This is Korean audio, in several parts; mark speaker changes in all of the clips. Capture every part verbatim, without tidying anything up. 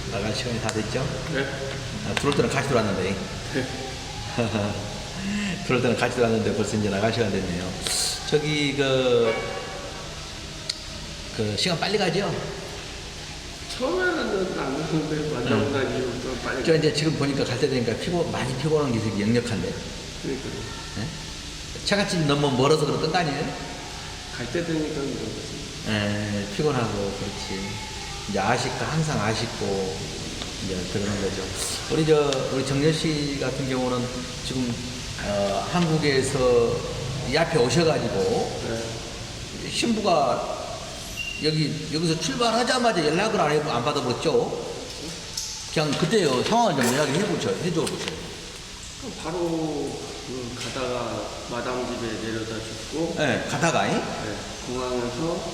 Speaker 1: 나갈 시간이 다 됐죠?
Speaker 2: 네.
Speaker 1: 아, 들어올 때는 같이 들어왔는데.
Speaker 2: 네.
Speaker 1: 들어올 때는 같이 들어왔는데 벌써 이제 나갈 시간 됐네요. 저기, 그, 그, 시간 빨리 가죠?
Speaker 2: 처음에는 안 그러는데 만나고 난 이후부터 빨리.
Speaker 1: 저 이제 지금 보니까 갈 때 되니까 피고, 많이 피곤한 게 되게 역력한데.
Speaker 2: 그러니까
Speaker 1: 네? 차갓집 너무 멀어서 그랬던 거 아니에요?
Speaker 2: 갈 때 되니까 그런 거지.
Speaker 1: 예, 피곤하고, 그렇지. 이제 아쉽고, 항상 아쉽고, 이제 그러는 거죠. 우리 저, 우리 정렬 씨 같은 경우는 지금, 어, 한국에서 이 앞에 오셔가지고,
Speaker 2: 네.
Speaker 1: 신부가 여기, 여기서 출발하자마자 연락을 안, 해, 안 받아버렸죠? 그냥 그때요, 상황을 좀 이야기 해보죠. 해줘 보세요.
Speaker 2: 그럼 바로 그 가다가 마담 집에 내려다 줬고,
Speaker 1: 예, 가다가, 잉?
Speaker 2: 네. 공항에서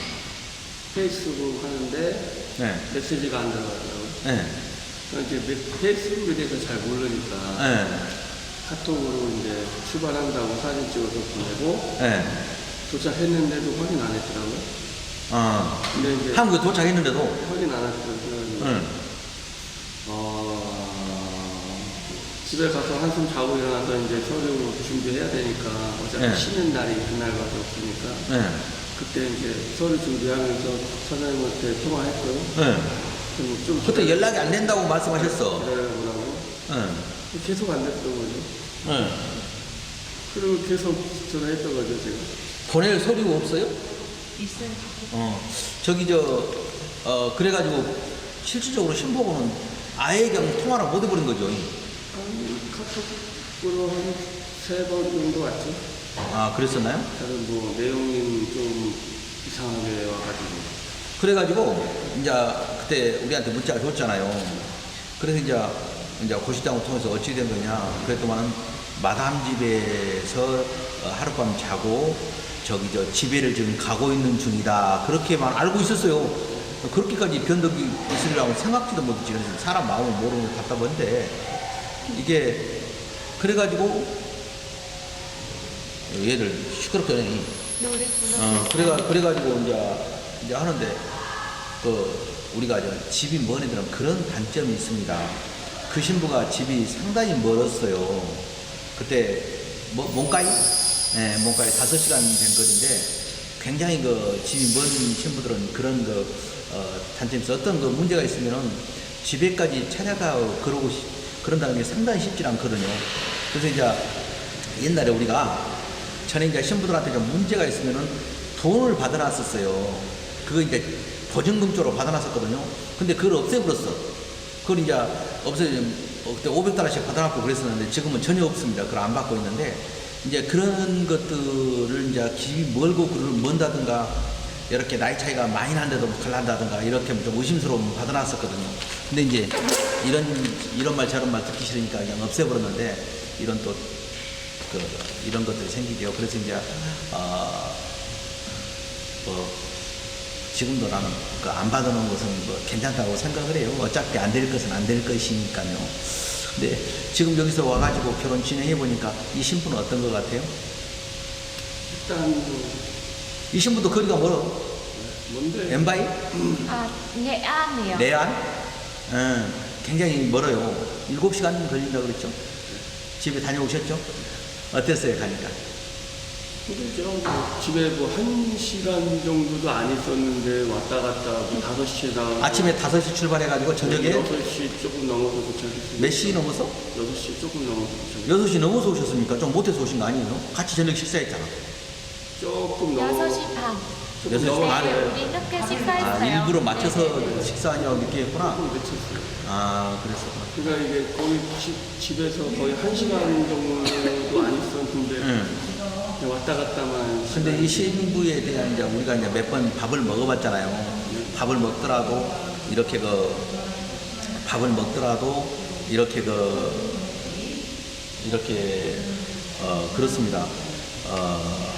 Speaker 2: 페이스북 하는데
Speaker 1: 예,
Speaker 2: 메시지가 안 들어가더라고요.
Speaker 1: 예,
Speaker 2: 그러니까 이제 메- 페이스북에 대해서 잘 모르니까
Speaker 1: 예,
Speaker 2: 카톡으로 이제 출발한다고 사진 찍어서 보내고
Speaker 1: 예,
Speaker 2: 도착했는데도 확인 안 했더라고요.
Speaker 1: 어.
Speaker 2: 근데 이제
Speaker 1: 한국에 도착했는데도,
Speaker 2: 확인 안 했더라고요.
Speaker 1: 응,
Speaker 2: 어, 집에 가서 한숨 자고 일어나서 이제 서류 준비해야 되니까 어차피
Speaker 1: 네.
Speaker 2: 쉬는 날이 그날밖에 없으니까
Speaker 1: 예,
Speaker 2: 그때 이제 서류 준비하면서 선생님한테 통화했고요.
Speaker 1: 예.
Speaker 2: 그럼 좀
Speaker 1: 그때 연락이 안 된다고 말씀하셨어.
Speaker 2: 기다려보라고
Speaker 1: 예,
Speaker 2: 계속 안 됐던 거죠.
Speaker 1: 예.
Speaker 2: 그리고 계속 전화했던 거죠 제가.
Speaker 1: 보낼 서류가 없어요?
Speaker 3: 있어요.
Speaker 1: 어, 저기 저, 어, 그래가지고 실질적으로 신부고는 아예 그냥 통화를 못 해버린 거죠.
Speaker 2: 한 카톡으로 한 세 번 정도 왔죠.
Speaker 1: 아, 그랬었나요?
Speaker 2: 다른 뭐 내용이 좀 이상하게 와가지고.
Speaker 1: 그래가지고 이제 그때 우리한테 문자가 줬잖아요. 그래서 이제 이제 고시장을 통해서 어찌 된 거냐. 그랬더만은 마담 집에서 어, 하룻밤 자고 저기 저 집에를 지금 가고 있는 중이다. 그렇게만 알고 있었어요. 그렇게까지 변덕이 있으리라고 생각지도 못했지. 그래서 사람 마음을 모르는 게 답답한데 이게 그래가지고 얘들 시끄럽게 하네.
Speaker 3: 노래
Speaker 1: 어, 그래가, 그래가지고, 이제, 이제 하는데, 그, 우리가 저 집이 먼 애들은 그런 단점이 있습니다. 그 신부가 집이 상당히 멀었어요. 그때, 뭐, 몽가이? 예, 몽가이 다섯 시간 된 거리인데, 굉장히 그 집이 먼 신부들은 그런 그, 어, 단점이 있어. 어떤 그 문제가 있으면은 집에까지 찾아가 그러고, 시- 그런다는 게 상당히 쉽지 않거든요. 그래서 이제 옛날에 우리가 전에 이제 신부들한테 좀 문제가 있으면은 돈을 받아놨었어요. 그거 이제 보증금 쪽으로 받아놨었거든요. 근데 그걸 없애버렸어. 그걸 이제 없애, 어, 그때 오백 달러씩 받아놨고 그랬었는데 지금은 전혀 없습니다. 그걸 안 받고 있는데 이제 그런 것들을 이제 집이 멀고 그걸 먼다든가 이렇게 나이 차이가 많이 난데도 갈란다든가 이렇게 좀 의심스러움 받아놨었거든요. 근데 이제 이런, 이런 말 저런 말 듣기 싫으니까 그냥 없애버렸는데 이런 또 그, 이런 것들이 생기죠. 그래서 이제, 어, 뭐, 지금도 나는 그 안 받아놓은 것은 뭐 괜찮다고 생각을 해요. 어차피 안 될 것은 안 될 것이니까요. 근데 지금 여기서 와가지고 결혼 진행해보니까 이 신부는 어떤 것 같아요?
Speaker 2: 일단 뭐,
Speaker 1: 이 신부도 거리가 멀어.
Speaker 2: 뭔데?
Speaker 1: 엠바이?
Speaker 3: 아, nghệ An이요.
Speaker 1: 내안? 응, 굉장히 멀어요. 일곱 시간 걸린다고 그랬죠? 집에 다녀오셨죠? 어땠어요, 가니까?
Speaker 2: 근데 제가 뭐 집에 뭐 한 시간 정도도 안 있었는데 왔다 갔다 뭐 다섯 시에 나가고
Speaker 1: 아침에 다섯 시 출발해가지고 저녁에
Speaker 2: 여섯 시 조금 넘어서 도착했어요.
Speaker 1: 몇 시 넘어서?
Speaker 2: 여섯 시 조금 넘어서 도착했어요.
Speaker 1: 여섯 시 넘어서 오셨습니까? 좀 못해서 오신 거 아니에요? 같이 저녁 식사했잖아.
Speaker 2: 조금 넘어
Speaker 3: 여섯 시 반.
Speaker 2: 조금
Speaker 1: 여섯 시
Speaker 2: 넘어
Speaker 1: 반에.
Speaker 3: 네, 우리 늦게
Speaker 1: 아,
Speaker 3: 식사했어요.
Speaker 1: 일부러 맞춰서
Speaker 3: 네.
Speaker 1: 식사하냐고 늦게 했구나.
Speaker 2: 조금 늦췄어요.
Speaker 1: 아, 그랬었구나.
Speaker 2: 그러니까 이게 거의 집, 집에서 거의 한 시간 정도도 안 있었는데
Speaker 1: 응.
Speaker 2: 그냥 왔다 갔다만.
Speaker 1: 근데 이 신부에 대한 이제 우리가 이제 몇 번 밥을 먹어봤잖아요. 밥을 먹더라도 이렇게 그 밥을 먹더라도 이렇게 그 이렇게 어 그렇습니다. 어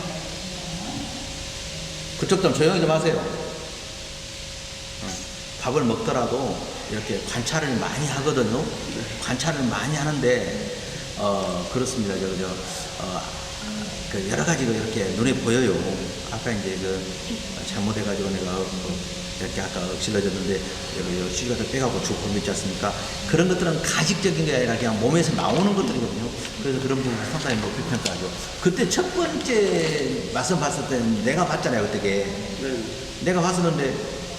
Speaker 1: 그쪽 좀 조용히 좀 하세요. 어, 밥을 먹더라도 이렇게 관찰을 많이 하거든요. 관찰을 많이 하는데 어 그렇습니다. 저 저 어, 그 여러 가지가 이렇게 눈에 보여요. 아까 이제 그 잘못해가지고 내가 그 이렇게 아까 엎질러졌는데 여기 시가를 빼가고 쭉 옮겼지 않습니까? 그런 것들은 가식적인 게 아니라 그냥 몸에서 나오는 것들이거든요. 그래서 그런 부분을 상당히 높이 평가하죠. 그때 첫 번째 맛을 봤을 때는 내가 봤잖아요, 그때.
Speaker 2: 네.
Speaker 1: 내가 봤었는데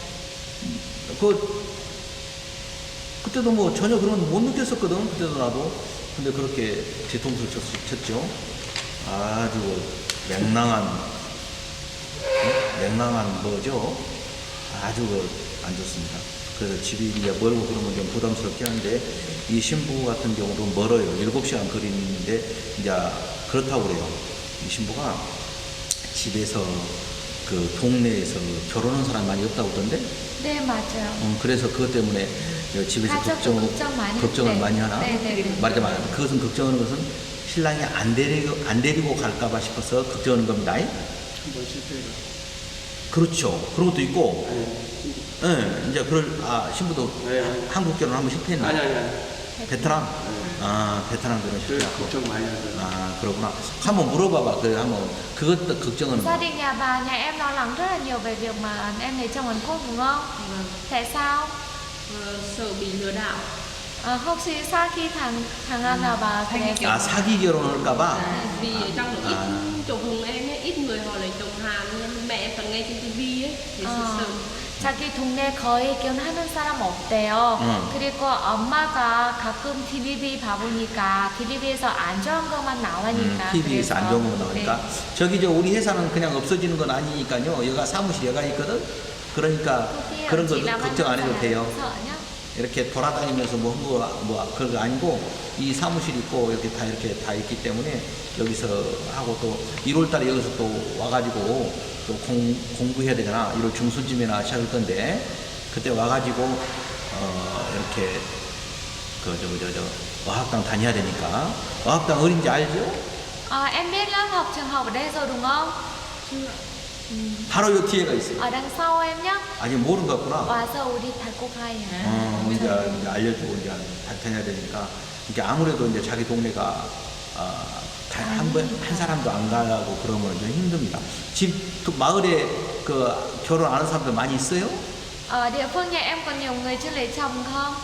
Speaker 1: 그 그때도 뭐 전혀 그런 거 못 느꼈었거든. 그때도 나도. 근데 그렇게 뒤통수를 쳤, 쳤죠. 아주 맹랑한 응? 맹랑한 뭐죠? 아주 그 안 좋습니다. 그래서 집이 이제 멀고 그러면 좀 부담스럽긴 한데 이 신부 같은 경우도 멀어요. 일곱 시간 거리인데 이제 그렇다고 그래요. 이 신부가 집에서 그 동네에서 결혼한 사람 많이 없다고 그러던데
Speaker 3: 네, 맞아요.
Speaker 1: 어, 그래서 그것 때문에 집에서
Speaker 3: 가족도
Speaker 1: 걱정,
Speaker 3: 걱정 많이
Speaker 1: 걱정을
Speaker 3: 네.
Speaker 1: 많이 하나?
Speaker 3: 네, 네, 네.
Speaker 1: 말하자면 그것은 걱정하는 것은 신랑이 안 데리고, 안 데리고 갈까봐 싶어서 걱정하는 겁니다.
Speaker 2: 한번 실패해가.
Speaker 1: 그렇죠. 그런 것도 있고,
Speaker 2: 네.
Speaker 1: 예, 이제 그럴, 아, 신부도
Speaker 2: 네, 네.
Speaker 1: 한국 결혼 한번 실패했나?
Speaker 2: 아니 아니 아니.
Speaker 1: 베트남?
Speaker 2: 네.
Speaker 1: 아, 베트남 결혼
Speaker 2: 그
Speaker 1: 실패하고.
Speaker 2: 걱정 많이 하더라고요.
Speaker 1: 아, 그러구나. 한번 물어봐봐. 그 한번, 그것도 걱정은.
Speaker 3: Gia đình nhà bà, nhà em lo lắng rất là nhiều về việc mà em lấy chồng Hàn Quốc đúng không?
Speaker 4: Vâng.
Speaker 3: Tại sao?
Speaker 4: Ờ, sợ bị lừa đảo.
Speaker 3: À, 혹시 사기 당, 당하나 봐.
Speaker 4: Thanh
Speaker 3: 그래서.
Speaker 1: 아, 사기 결혼할까봐?
Speaker 4: À, vì ở trong đó ít
Speaker 1: À.
Speaker 4: chồng hùng em ấy, ít người họ lấy chồng Hàn nên mẹ em toàn nghe trên tivi ấy thì sợ
Speaker 3: 어,
Speaker 4: sợ.
Speaker 3: 자기 동네 거의 결혼하는 사람 없대요.
Speaker 1: 응.
Speaker 3: 그리고 엄마가 가끔 티비 봐보니까 티비에서 안 좋은 것만 나오니까.
Speaker 1: 티비에서 안 좋은 거 나오니까.
Speaker 3: 네.
Speaker 1: 저기 저 우리 회사는 그냥 없어지는 건 아니니까요. 여가 사무실 여가 있거든. 그러니까 그런 거 걱정 안 해도 돼요. 이렇게 돌아다니면서 뭐 뭐 뭐 그런 거 아니고 이 사무실 있고 이렇게 다 이렇게 다 있기 때문에 여기서 하고 또 일월 달에 여기서 또 와가지고 또 공, 공부해야 되잖아. 일월 중순쯤이나 시작할 건데 그때 와가지고 어 이렇게 그 저 저 저 어학당 다녀야 되니까. 어학당 어딘지 알죠?
Speaker 3: À, em biết lớp học trường học ở đây rồi đúng không?
Speaker 1: 바로 요 뒤에가 있어요.
Speaker 3: Ở đằng sau em nhé.
Speaker 1: 아직 모르는 것 같구나.
Speaker 3: 와서 우리 닫고 가요.
Speaker 1: 어, 이제, 이제 알려주고 이제 다녀야 되니까. 이게 아무래도 이제 자기 동네가, 어, 다- 한 번, 한 사람도 안 가고 그러면 좀 힘듭니다. 집, 또 마을에 그 결혼 안 하는 사람들 많이 있어요?
Speaker 3: Ở địa phương nhà em còn nhiều người chưa lấy chồng không?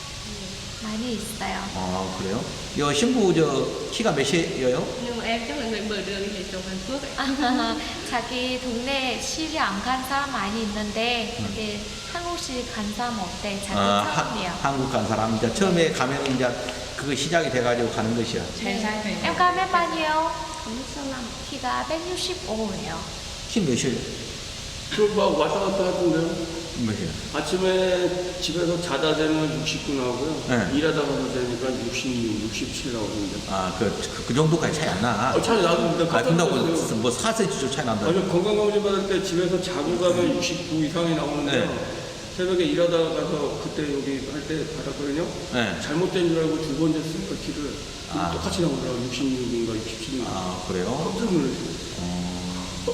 Speaker 3: 많이 있어요.
Speaker 1: 아, 그래요? 여 신부 저 키가 몇이에요?
Speaker 4: Nhưng mà em chắc là người mở đường đi lấy chồng Hàn Quốc ấy.
Speaker 3: 자기 동네 시리 안 간 사람 많이 있는데 여기 한국식 간 사람 없대. 자기
Speaker 1: 아, 하-
Speaker 3: 처음이에요.
Speaker 1: 한국 간 사람. 이제 처음에 가면 이제 그거 시작이 돼가지고 가는 것이야.
Speaker 4: 잘 살면.
Speaker 3: Em cao mét bao nhiêu?
Speaker 4: sáu
Speaker 3: 키가 백육십오예요.
Speaker 1: 키 몇이에요?
Speaker 2: 저막 왔다 갔다 하던데요.
Speaker 1: 몇이에요?
Speaker 2: 아침에 집에서 자다 되면 육십구 나오고요.
Speaker 1: 네.
Speaker 2: 일하다 가서 되니까 육십육, 육십칠 나오는데.
Speaker 1: 아, 그, 그, 그 정도까지 차이 안 나.
Speaker 2: 어, 차이 나는데
Speaker 1: 아, 근다고 뭐 사 센티미터 차이 난다.
Speaker 2: 아니 건강검진 받을 때 집에서 자고 가면 육십구 이상이 나오는데
Speaker 1: 네.
Speaker 2: 새벽에 일하다 가서 그때 여기 할 때 받았거든요.
Speaker 1: 네.
Speaker 2: 잘못된 줄 알고 두 번 쟀으니까 키를
Speaker 1: 아.
Speaker 2: 똑같이 나오더라고. 육십육인가 육십칠인가.
Speaker 1: 아, 그래요?
Speaker 2: 깜짝 놀랐어요.
Speaker 1: 어.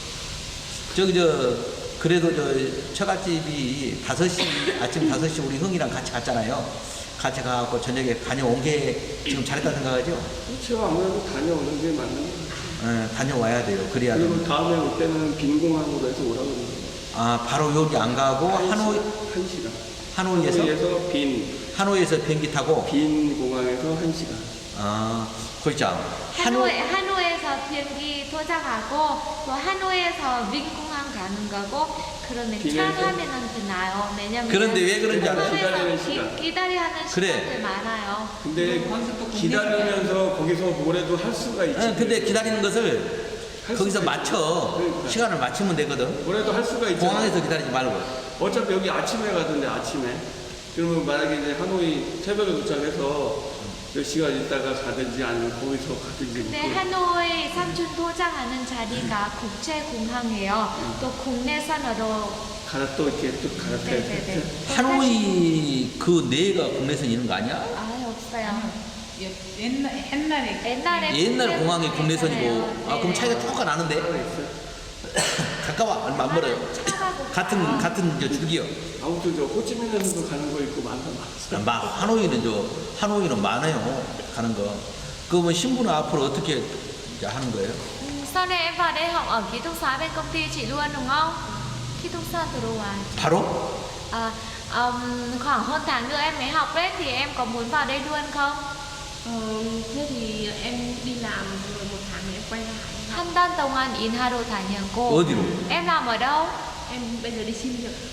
Speaker 1: 저기, 저, 그래도 저, 처갓집이 다섯 시, 아침 다섯 시 우리 흥이랑 같이 갔잖아요. 같이 가갖고 저녁에 다녀온 게 지금 잘했다 생각하죠?
Speaker 2: 제가 아무래도 다녀오는 게 맞는 거예요.
Speaker 1: 예, 다녀와야 돼요. 그래야
Speaker 2: 그리고
Speaker 1: 돼요.
Speaker 2: 다음에 올 때는 빈 공항으로 해서 오라고 그러는
Speaker 1: 아, 바로 여기 안 가고 하노이,
Speaker 2: 한 시간.
Speaker 1: 하노이에서?
Speaker 2: 하노이에서 빈,
Speaker 1: 하노이에서 비행기 타고,
Speaker 2: 빈 공항에서 한 시간.
Speaker 1: 아, 그렇죠.
Speaker 3: 하노이, 하노이에서 비행기 도착하고 또 하노이에서 민공항 가는 거고 그러면 차
Speaker 2: 비행기.
Speaker 3: 타면은 되나요? 왜냐면
Speaker 1: 그런데 왜 그런지 알아요?
Speaker 2: 기다리는
Speaker 3: 공항에서
Speaker 2: 시간.
Speaker 3: 기, 기다려야 하는
Speaker 1: 그래.
Speaker 3: 시간들 많아요.
Speaker 2: 근데 기다리면서 거기서 뭐래도 할 수가 있지.
Speaker 1: 예, 근데 기다리는 것을
Speaker 2: 할
Speaker 1: 거기서
Speaker 2: 수가
Speaker 1: 맞춰.
Speaker 2: 그러니까.
Speaker 1: 시간을 맞추면 되거든.
Speaker 2: 뭐래도 할 수가 있죠.
Speaker 1: 공항에서 기다리지 말고.
Speaker 2: 어차피 여기 아침에 가던데 아침에. 그러면 만약에 이제 하노이 새벽에 도착해서 몇 시간 있다가 가든지 아니면 거기서 가든지.
Speaker 3: 근데
Speaker 2: 뭐
Speaker 3: 하노이 삼촌 도착하는 자리가 국제공항이에요. 또 국내선으로
Speaker 2: 갈아 또 이렇게 또 갈아타야
Speaker 3: 네네네.
Speaker 2: 돼.
Speaker 1: 하노이 그 내가 국내선 있는 거 아니야?
Speaker 3: 아 없어요.
Speaker 4: 옛날, 옛날에
Speaker 3: 옛날에
Speaker 1: 옛날
Speaker 3: 국내
Speaker 1: 공항이 국내선이고.
Speaker 3: 있잖아요.
Speaker 1: 아, 그럼
Speaker 3: 네.
Speaker 1: 차이가 조금 나는데?
Speaker 2: 하나 있어요.
Speaker 1: 가까워. 얼마 안 멀어요.
Speaker 3: 차가고
Speaker 1: 같은,
Speaker 3: 가요.
Speaker 1: 같은 저 줄기요.
Speaker 2: 아무튼 저 호치민에서도 가는 거 있고 많다 많았어.
Speaker 1: 막 하노이는 저 하노이는 많아요 가는 거. 그러면 신부는 앞으로 어떻게 이제 하는 거예요?
Speaker 3: Ừ, sau này em vào đây học ở ký túc xá bên công ty chị luôn đúng không? ký túc xá 들어와.
Speaker 1: 바로?
Speaker 3: À, ừm, khoảng hơn tháng nữa em mới học đấy thì em có muốn vào đây luôn không?
Speaker 4: Ờ, thế thì em đi làm rồi một tháng nữa em quay lại.
Speaker 3: 한 달 동안 인하러 다녀고.
Speaker 1: 어디로?
Speaker 3: Em làm ở đâu?
Speaker 4: Em bây giờ đi xin việc.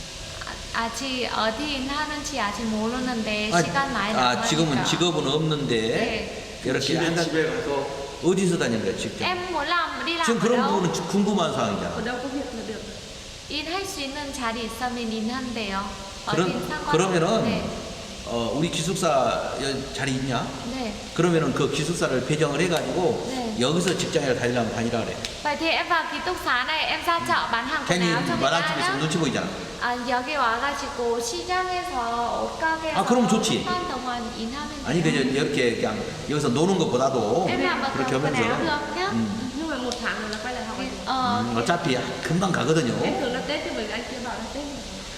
Speaker 3: 아, 아직 어디 인하는지 아직 모르는데
Speaker 1: 아,
Speaker 3: 시간 많이
Speaker 1: 아
Speaker 3: 남으니까.
Speaker 1: 지금은 직업은 없는데
Speaker 3: 네.
Speaker 1: 이렇게
Speaker 2: 집에,
Speaker 1: 한 달,
Speaker 2: 집에 가서
Speaker 1: 어디서 다니는 거야 직접?
Speaker 3: Em muốn làm đi làm
Speaker 1: 지금
Speaker 3: ở
Speaker 1: 그런
Speaker 3: đâu?
Speaker 1: 부분은 궁금한
Speaker 4: Ở
Speaker 1: 사항이잖아.
Speaker 4: đâu có việc là được.
Speaker 3: 인할 수 있는 자리 있으면 인한대요. 어딘
Speaker 1: 그런,
Speaker 3: 상관없-
Speaker 1: 그러면은
Speaker 3: 네.
Speaker 1: 어, 우리 기숙사 여- 자리 있냐?
Speaker 3: 네.
Speaker 1: 그러면은 그 기숙사를 배정을 해가지고
Speaker 3: 네.
Speaker 1: 여기서 직장에 다니려면 다니라 그래.
Speaker 3: Vậy thì em vào ký túc xá này em ra chợ bán hàng quần
Speaker 1: 괜히
Speaker 3: áo cho người
Speaker 1: 말한
Speaker 3: ta
Speaker 1: 집에서
Speaker 3: nhá.
Speaker 1: 눈치 보이잖아.
Speaker 3: 아, 여기 와가지고 시장에서 옷가게에서
Speaker 1: 아, 그럼 좋지.
Speaker 3: 한 달 동안 일하면 돼요.
Speaker 1: 아니 그저 이렇게 그냥 여기서 노는 것보다도
Speaker 3: em làm ở
Speaker 1: 그렇게
Speaker 3: cửa quần áo
Speaker 1: 하면서
Speaker 3: được nhá.
Speaker 1: 음,
Speaker 4: Nhưng mà một tháng rồi là quay lại học.
Speaker 3: Ờ,
Speaker 1: 음, 어차피 금방 가거든요.
Speaker 4: Em tưởng là Tết chứ bởi vì anh kia bảo là Tết.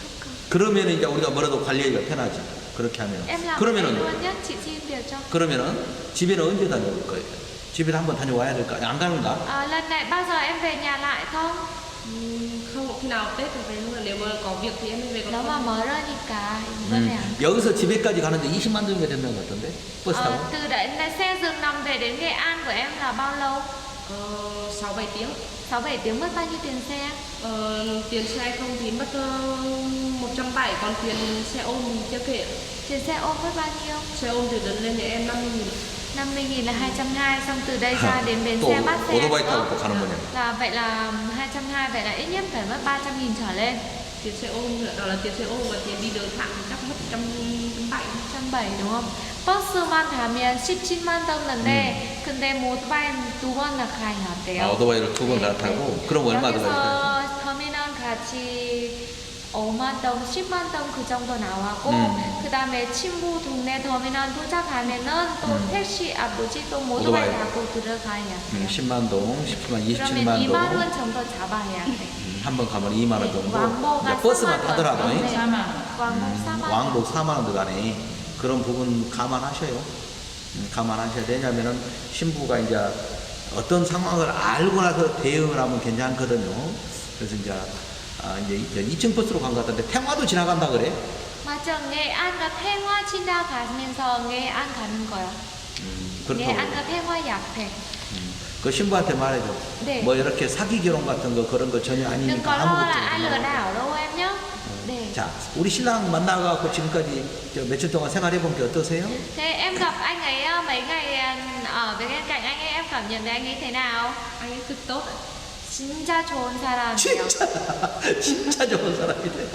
Speaker 1: 그러면 이제 우리가 뭐라도 관리하기가 편하지. 그렇게 하면.
Speaker 3: em làm ở đây
Speaker 1: 그러면은
Speaker 3: luôn nhá, chị xin việc cho.
Speaker 1: 그러면은 집에는 언제 다녀올 거예요? 집에도 한번 다녀와야 될까? 안 가는가?
Speaker 3: À, lần này bao giờ em về nhà lại không?
Speaker 4: Ừm, Không, khi nào Tết thì về luôn. Nếu mà có việc thì em mới về. Còn
Speaker 3: Nếu mà
Speaker 4: không-
Speaker 3: mở ra니까 이번에
Speaker 1: 음,
Speaker 3: 안.
Speaker 1: 여기서 집에까지 가는데 이십만 정도 된다는 것 같던데? 버스 타고?
Speaker 3: Ờ, từ đấy là xe giường nằm về đến Nghệ An của em là bao lâu?
Speaker 4: Ờ, sáu bảy tiếng.
Speaker 3: sáu bảy tiếng mất bao nhiêu tiền xe?
Speaker 4: Ờ, tiền xe không thì mất uh, một trăm bảy, còn tiền xe ôm thì chưa kể.
Speaker 3: Tiền xe ôm mất bao nhiêu?
Speaker 4: Xe ôm từ đến lên nhà em năm mươi nghìn.
Speaker 3: năm mươi nghìn là hai trăm hai mươi, xong từ đây ra đến bến
Speaker 1: 또
Speaker 3: xe bắt xe
Speaker 1: 오토바이
Speaker 3: nữa.
Speaker 1: 타고 또 가는 거냐?
Speaker 3: Là vậy là hai trăm hai mươi, vậy là ít nhất phải mất ba trăm nghìn trở lên.
Speaker 4: Tiền xe ôm nữa, đó là tiền xe ôm và tiền đi đường thẳng chắc mất trăm bảy.
Speaker 3: trăm bảy đúng không? 버스만 타면 십칠만 원 넣는데 근데 모토바이 두 번 다 가능하대요.
Speaker 1: 아, 오토바이를 두 번 갈아타고? 그럼 얼마 들어가요?
Speaker 3: 여기서 터미널 같이 오만 원, 십만 원 그 정도 나와고
Speaker 1: 음.
Speaker 3: 그 다음에 친구 동네 터미널 도착하면은 또
Speaker 1: 음.
Speaker 3: 택시 아 뭐지 또 모토바이
Speaker 1: 오토바이.
Speaker 3: 타고 들어가야 돼요.
Speaker 1: 음, 십만 동, 십칠만,
Speaker 3: 그러면
Speaker 1: 이십칠만
Speaker 3: 이만
Speaker 1: 동.
Speaker 3: 원 정도 잡아야 돼.
Speaker 1: 음, 한번 가면 이만 원 정도.
Speaker 3: 왕복가
Speaker 1: 이제 버스만
Speaker 3: 사만 원.
Speaker 1: 타더라도
Speaker 3: 네.
Speaker 1: 이?
Speaker 3: 왕복
Speaker 1: 음,
Speaker 3: 사만 원.
Speaker 1: 왕복 사만 원 들어가네. 그런 부분 감안하셔요. 음, 감안하셔야 되냐면은 신부가 이제 어떤 상황을 알고 나서 대응을 하면 괜찮거든요. 그래서 이제 아, 이제 이 층 버스로 간 것 같은데 태화도 지나간다 그래?
Speaker 3: 맞아, nghệ 안과 태화 지나가면서 nghệ안 가는 거야.
Speaker 1: 음, 그렇다고.
Speaker 3: nghệ안과 태화 약해.
Speaker 1: 음, 그 신부한테 말해줘.
Speaker 3: 네.
Speaker 1: 뭐 이렇게 사기 결혼 같은 거 그런 거 전혀
Speaker 3: Đừng
Speaker 1: 아니니까
Speaker 3: có lo
Speaker 1: 아무것도
Speaker 3: là ai lừa
Speaker 1: 없는 거.
Speaker 3: đảo đâu em nhé. 네.
Speaker 1: 자, 우리 신랑 만나갖고 지금까지 저 며칠 동안 생활해 본 게 어떠세요?
Speaker 3: Thế em gặp anh ấy ờ, mấy ngày ờ, ở bên cạnh anh ấy em cảm nhận thấy anh ấy thế nào?
Speaker 4: Anh ấy cực tốt ạ.
Speaker 3: 진짜 좋은 사람이에요.
Speaker 1: 진짜 진짜 좋은 사람이네.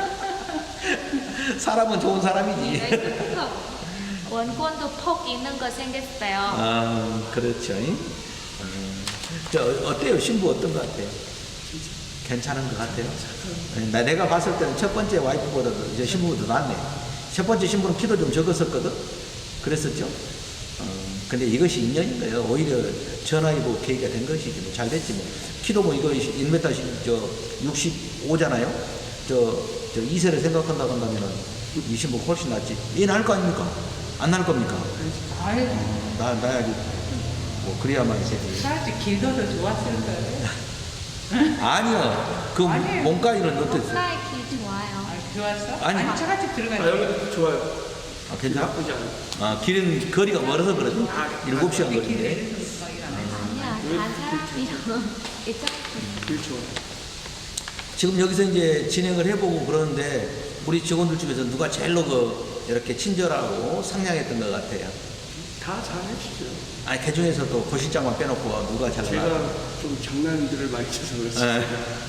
Speaker 1: 사람은 좋은
Speaker 4: Anh
Speaker 1: 사람이지.
Speaker 4: ấy rất thích hợp.
Speaker 3: 원곤도 톡 있는 거 생겼어요.
Speaker 1: 아, 그렇죠. 음, 저 어때요? 신부 어떤 것 같아요? 괜찮은 것 같아요? 나 내가 봤을 때는 첫 번째 와이프보다도 이제 신부가 더 낫네. 첫 번째 신부는 키도 좀 적었었거든. 그랬었죠. 어, 근데 이것이 인연인 거예요. 오히려 전화위복 계기가 된 것이지. 뭐 잘 됐지 뭐. 키도 뭐 이거 일 미터 저 육십오잖아요. 저, 저 이세를 생각한다고 한다면은 이 신부 훨씬 낫지. 얘는 할 거 아닙니까? 안 날 겁니까?
Speaker 5: 아유,
Speaker 1: 어, 나, 나야지. 뭐, 그래야만 되지.
Speaker 5: 사실 길도 더 좋았을 거예요.
Speaker 1: 아니요. 그
Speaker 5: 아니에요.
Speaker 1: 몸가이는 어땠어요?
Speaker 3: 목라이 기 좋아요.
Speaker 5: 아, 좋았어?
Speaker 1: 아니.
Speaker 5: 아니, 차가집
Speaker 2: 아,
Speaker 5: 들어가니까.
Speaker 2: 여기 좋아요.
Speaker 1: 아, 괜찮아?
Speaker 2: 나쁘지 않아요.
Speaker 1: 아, 길은, 거리가 멀어서 그러지. 일곱 시간
Speaker 5: 길에
Speaker 1: 거리인데.
Speaker 5: 이래서 막 일어나요.
Speaker 3: 아니야, 다 사람이요. 있잖아.
Speaker 2: 길 좋아요.
Speaker 1: 지금 여기서 이제 진행을 해보고 그러는데, 우리 직원들 중에서 누가 제일로 그, 이렇게 친절하고 상냥했던 것 같아요.
Speaker 2: 다 잘해주죠.
Speaker 1: 아니, 그 중에서도 고실장만 빼놓고 누가 잘
Speaker 2: 제가
Speaker 1: 나가?
Speaker 2: 좀 장난들을 많이 쳐서 그렇습니다.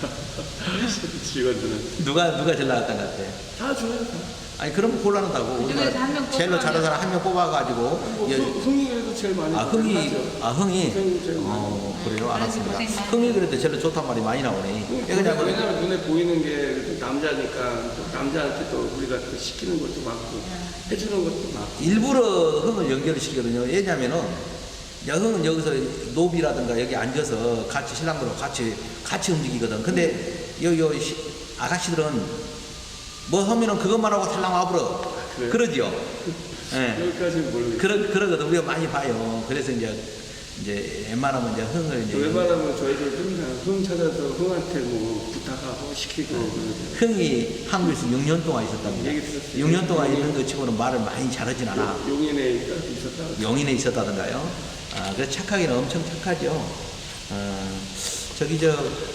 Speaker 2: 직원들은
Speaker 1: 누가, 누가 제일 나갔던 것 같아요?
Speaker 2: 다 좋아요.
Speaker 1: 아니, 그럼 곤란하다고.
Speaker 5: 그중에서 한명
Speaker 1: 우리가 제일로 잘하는 사람 한 명 뽑아가지고,
Speaker 2: 뭐
Speaker 1: 예,
Speaker 2: 흥- 흥이 그래도 제일 많이
Speaker 1: 아, 흥이,
Speaker 2: 하죠.
Speaker 1: 아, 흥이?
Speaker 2: 흥이 제일 많이
Speaker 1: 어, 그래요? 알았습니다.
Speaker 5: 고생 많이
Speaker 1: 흥이 그래도 제일 좋단 말이 많이 나오네. 왜냐면,
Speaker 2: 왜냐면 눈에 보이는 게 남자니까 또 남자한테 또 우리가 또 시키는 것도 많고 해주는 것도 많고
Speaker 1: 일부러 흥을 연결을 시키거든요. 왜냐면은, 야, 흥은 여기서 노비라든가 여기 앉아서 같이 신랑들하고 같이, 같이 움직이거든. 근데, 요, 요, 시- 아가씨들은 뭐 하면은 그것만 하고 살랑 와버려.
Speaker 2: 그래요?
Speaker 1: 그러죠? 예.
Speaker 2: 여기까지는 모르겠어요.
Speaker 1: 그러, 그러거든. 우리가 많이 봐요. 그래서 이제, 이제 웬만하면 이제 흥을 이제
Speaker 2: 웬만하면 저희들 항상 흥 찾아서 흥한테 뭐 부탁하고 시키고 그러죠.
Speaker 1: 흥이 한국에서 육 년 동안 있었답니다.
Speaker 2: 얘기 들었어요.
Speaker 1: 육 년 동안 있는 것 치고는 말을 많이 잘하진 않아.
Speaker 2: 용인에 있었다.
Speaker 1: 용인에 있었다던가요. 아, 그래서 착하기는 엄청 착하죠. 어, 저기 저,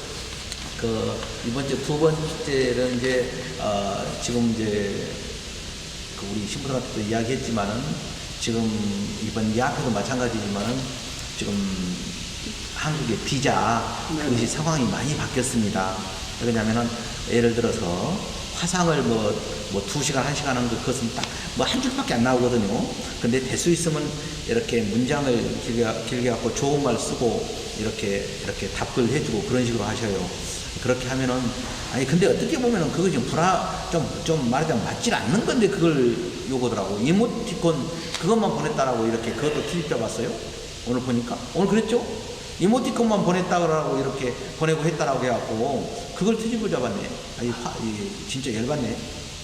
Speaker 1: 그, 이번 주 두 번째는 이제, 어, 지금 이제, 그 우리 신부들한테도 이야기했지만은, 지금 이번 예약회도 마찬가지지만은, 지금 한국의 비자, 그것이 상황이 많이 바뀌었습니다. 왜냐면은, 예를 들어서, 화상을 뭐, 뭐, 두 시간, 한 시간 하는 거, 그것은 딱, 뭐, 한 줄밖에 안 나오거든요. 근데 될 수 있으면, 이렇게 문장을 길게, 길게 갖고 좋은 말 쓰고, 이렇게, 이렇게 답글 해주고, 그런 식으로 하셔요. 그렇게 하면은, 아니, 근데 어떻게 보면은, 그거 좀 불화, 좀, 좀 말하자면 맞질 않는 건데, 그걸 요거더라고. 이모티콘, 그것만 보냈다라고 이렇게, 그것도 투입해 봤어요? 오늘 보니까? 오늘 그랬죠? 이모티콘만 보냈다고 이렇게 보내고 했다라고 해갖고 그걸 트집을 잡았네. 아이 화, 이, 진짜 열받네.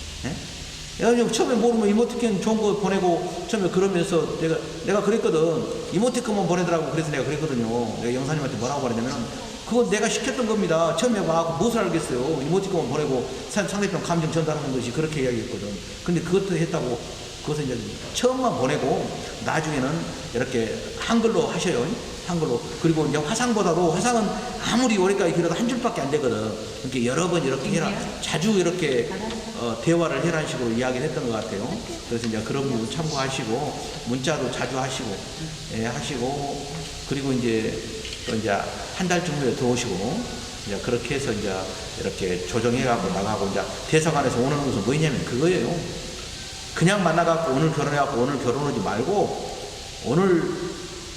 Speaker 1: 예? 야, 처음에 모르면 이모티콘 좋은 거 보내고 처음에 그러면서 내가 내가 그랬거든. 이모티콘만 보내더라고. 그래서 내가 그랬거든요. 내가 영사님한테 뭐라고 말했냐면 그건 내가 시켰던 겁니다. 처음에 와갖고 무엇을 알겠어요. 이모티콘만 보내고 상대편 감정 전달하는 것이 그렇게 이야기했거든. 근데 그것도 했다고 그것은 이제 처음만 보내고 나중에는 이렇게 한글로 하셔요. 한글로. 그리고 이제 화상보다도 화상은 아무리 오래까지 길어도 한 줄밖에 안 되거든. 이렇게 여러 번 이렇게 해라. 자주 이렇게 어, 대화를 해라는 식으로 이야기를 했던 것 같아요. 그래서 이제 그런 부분 참고하시고 문자도 자주 하시고 예, 하시고 그리고 이제 또 이제 한 달쯤 후에 들어오시고 이제 그렇게 해서 이제 이렇게 조정해가고 나가고 이제 대사관에서 오는 것은 뭐냐면 그거예요. 그냥 만나갖고 오늘 결혼해갖고 오늘 결혼하지 말고 오늘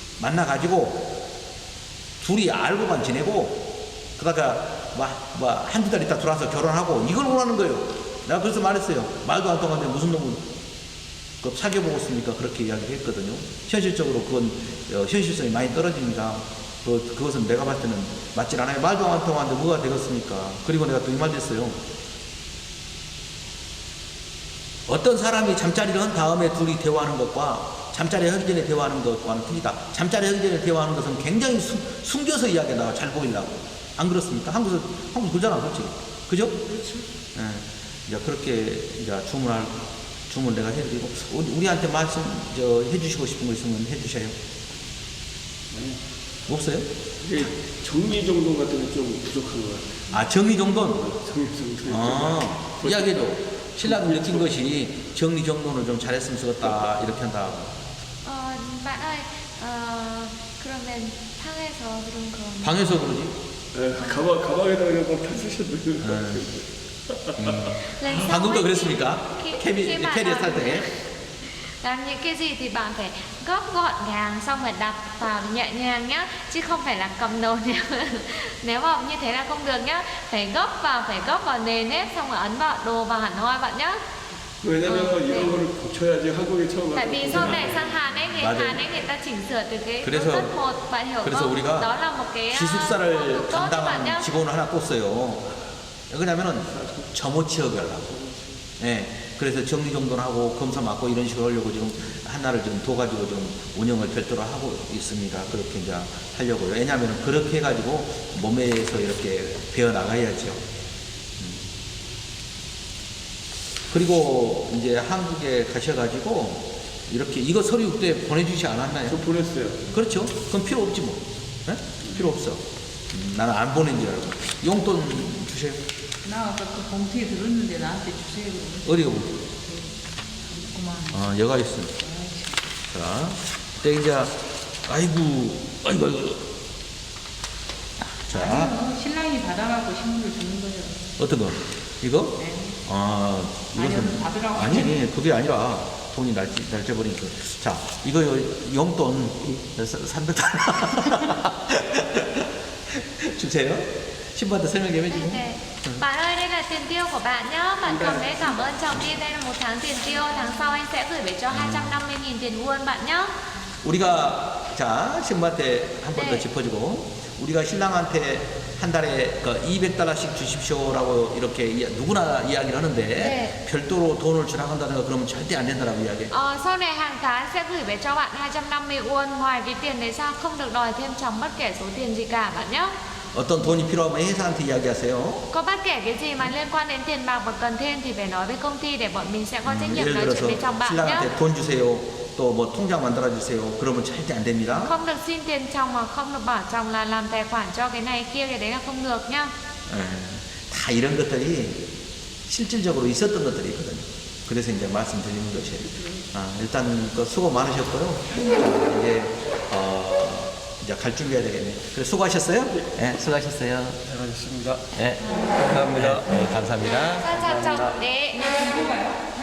Speaker 1: 만나가지고 둘이 알고만 지내고 그러다가 막, 막 한두 달 있다 들어와서 결혼하고 이걸 원하는 거예요. 내가 그래서 말했어요. 말도 안 통하는데 무슨 놈은 그 사귀어보고 있습니까? 그렇게 이야기를 했거든요. 현실적으로 그건 어, 현실성이 많이 떨어집니다. 그, 그것은 내가 봤을 때는 맞질 않아요. 말도 안 통하는데 뭐가 되겠습니까? 그리고 내가 또 이 말도 했어요. 어떤 사람이 잠자리를 한 다음에 둘이 대화하는 것과 잠자리 하기 전에 대화하는 것과는 틀리다. 잠자리 하기 전에 대화하는 것은 굉장히 숨, 숨겨서 이야기가 나와. 잘 보이려고. 안 그렇습니까? 한국에서, 한국 그러잖아, 솔직히. 그죠? 그렇죠. 예. 이제 그렇게 이제 주문할, 주문 내가 해드리고, 우리, 우리한테 말씀, 저, 해주시고 싶은 거 있으면 해주셔요.
Speaker 2: 네.
Speaker 1: 없어요?
Speaker 2: 이게 정리정돈 같은 게 좀 부족한 것 같아요.
Speaker 1: 아, 정리정돈?
Speaker 2: 정리정돈.
Speaker 1: 아, 이야기해줘. 신랑이 느낀 것이 정리정돈을 좀 잘했으면 좋겠다 이렇게 한다.
Speaker 3: 어, bạn ơi, 어, 그러면 방에서 그런 거.
Speaker 1: 방에서 그러지?
Speaker 2: 네, 가방, 가방에다 그냥 막 다 쓰셨는 것 같아요.
Speaker 1: 음.
Speaker 3: Lần sau
Speaker 1: 방금도
Speaker 3: ấy,
Speaker 1: 그랬습니까?
Speaker 3: khi-
Speaker 1: 캐비,
Speaker 3: khi bạn
Speaker 1: 캐리어
Speaker 3: làm-
Speaker 1: 탈 때.
Speaker 3: làm những cái gì thì bạn phải góp gọn gàng xong rồi đặt vào nhẹ nhàng nhá, chứ không phải là cầm đồ nếu nếu mà như thế là không được nhá. Phải góp vào, phải góp vào nền nếp xong rồi ấn vào đồ vào hẳn hoi bạn nhá.
Speaker 2: 왜냐면
Speaker 3: 어, 네.
Speaker 2: 이런 거를 고쳐야지 한국에 처음
Speaker 3: Tại
Speaker 2: 와서
Speaker 3: vì sau này sang Hàn ấy, người
Speaker 1: 맞아요.
Speaker 3: Hàn ấy người ta chỉnh sửa từ cái
Speaker 1: 그래서-
Speaker 3: bước cấp một, bạn hiểu
Speaker 1: 그래서
Speaker 3: không?
Speaker 1: 우리가
Speaker 3: Đó là một cái uh, phong
Speaker 1: 기숙사를
Speaker 3: tục tốt cho bạn nhá.
Speaker 1: 담당한 직원을 하나 뒀어요. 왜냐면은 점호취업을 하려고. 예. 그래서 정리정돈하고 검사 맡고 이런 식으로 하려고 지금 하나를 좀 둬가지고 좀 운영을 별도로 하고 있습니다. 그렇게 이제 하려고요. 왜냐면은 그렇게 해가지고 몸에서 이렇게 배어 나가야죠. 음. 그리고 이제 한국에 가셔가지고 이렇게 이거 서류 때 보내주지 않았나요?
Speaker 2: 저 보냈어요.
Speaker 1: 그렇죠. 그럼 필요 없지 뭐. 예? 필요 없어. 음, 나는 안 보낸 줄 알고. 용돈 주세요.
Speaker 5: 나 아까 그 봉투에 들었는데 나한테 주세요.
Speaker 1: 어디가 뭐?
Speaker 5: 그만.
Speaker 1: 아, 여가 있어. 자, 때 이제, 아이고, 아이고, 아이고. 자,
Speaker 5: 아니요, 신랑이 받아갖고 신문을 주는 거예요.
Speaker 1: 어떤 거? 이거?
Speaker 5: 네.
Speaker 1: 아,
Speaker 5: 아니요,
Speaker 1: 이것은.
Speaker 5: 받으라고
Speaker 1: 아니, 아니, 그게 아니라 돈이 날짜, 날짜버리니까. 자, 이거 용돈 삼백 달러. 주세요. 신부한테 설명 좀
Speaker 3: Đây,
Speaker 1: 해주고.
Speaker 3: đây. Bạn ơi, đây là tiền tiêu của bạn nhá. Bạn cầm đấy, cảm ơn chồng đi. Đây là một tháng tiền tiêu. Tháng sau anh sẽ gửi về cho hai trăm năm mươi nghìn tiền won bạn nhá.
Speaker 1: 우리가 자 신부한테 한 번 더
Speaker 3: 네.
Speaker 1: 짚어주고 우리가 신랑한테 한 달에 그 이백 달러씩 주십시오라고 이렇게 이- 누구나 이야기를 하는데
Speaker 3: 네.
Speaker 1: 별도로 돈을 주라 한다든가 그러면 절대 안 된다라고 이야기해.
Speaker 3: Ờ, sau này hàng tháng sẽ gửi về cho bạn hai trăm năm mươi won. Ngoài cái tiền đấy ra không được đòi thêm chồng bất kể số tiền gì cả bạn nhé.
Speaker 1: 어떤 돈이 필요하면 회사한테 이야기하세요.
Speaker 3: Có bất kể cái gì mà liên quan đến tiền bạc và cần thêm thì phải nói với công ty để bọn mình sẽ có trách nhiệm
Speaker 1: 예를
Speaker 3: nói chuyện
Speaker 1: 들어서
Speaker 3: với chồng bạn nhé.
Speaker 1: 신랑한테 돈 주세요. 또 뭐 통장 만들어 주세요. 그러면 절대 안 됩니다.
Speaker 3: Không được xin tiền chồng mà không được bảo chồng là làm tài khoản cho cái này kia, cái đấy là không được nhá.
Speaker 1: 예, 다 이런 것들이 실질적으로 있었던 것들이 있거든요. 그래서 이제 말씀드리는 것이에요. 아, 일단 그 수고 많으셨고요. 자, 이제 어, 이제 갈 준비해야 되겠네요. 그래 수고하셨어요? 네, 수고하셨어요.
Speaker 2: 잘하셨습니다.
Speaker 1: 네,
Speaker 2: 감사합니다.
Speaker 1: 네, 감사합니다.
Speaker 3: Chào chào chồng. Đấy.